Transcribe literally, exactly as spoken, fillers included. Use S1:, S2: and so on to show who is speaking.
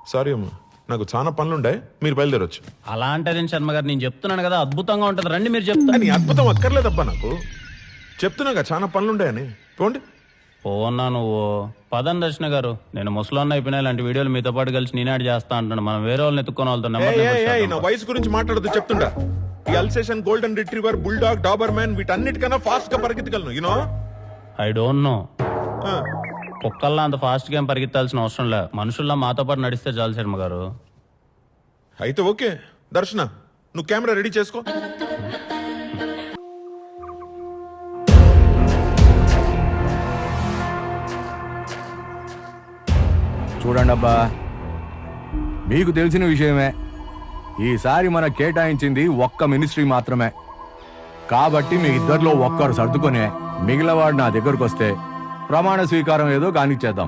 S1: Sorry అమ్మా, నాకు చాలా పనులుండే, మీరు బయలుదేరొచ్చు.
S2: అలా అంటారేం శర్మ గారు, నేను చెప్తున్నాను కదా అద్భుతంగా ఉంటుంది, రండి మీరు చెప్తాను.
S1: నీ అద్భుతం అక్కర్లేదబ్బా నాకు, చెప్తున్నాగా చాలా పనులుండాయని. పోండి.
S2: పోన్నా నువ్వు పదం దర్శన గారు, నేను ముసలాన్న అయిపోయినా ఇలాంటి వీడియోలు మీతో పాటు కలిసి నేనాడు చేస్తా అంటాను. మనం వేరే వాళ్ళని ఎత్తుకొని
S1: ఏయ్, ఏయ్, ఏయ్, నా
S2: వెళ్తాం.
S1: వయసు గురించి మాట్లాడదు చెప్తుంటా. ఈ Alsatian, golden retriever, bulldog, Doberman వీటన్నిటికన్నా ఫాస్ట్ గా పరిగెత్తగలను, యూనో.
S2: I don't know. కుక్కల్లా అంత ఫాస్ట్ గా ఏం పరిగెత్తాల్సిన అవసరం లే, మనుషుల్లా మాతో పాటు నడిస్తే చాలు శర్మ గారు.
S1: అయితే ఓకే దర్శన, నువ్వు కెమెరా రెడీ చేసుకో.
S3: చూడండి అబ్బా, మీకు తెలిసిన విషయమే, ఈసారి మన కేటాయించింది ఒక్క మినిస్ట్రీ మాత్రమే. కాబట్టి మీ ఇద్దరిలో ఒక్కరు సర్దుకొని మిగిలినవాడు నా దగ్గరకు వస్తే ప్రమాణ స్వీకారం ఏదో కానిచ్చేద్దాం.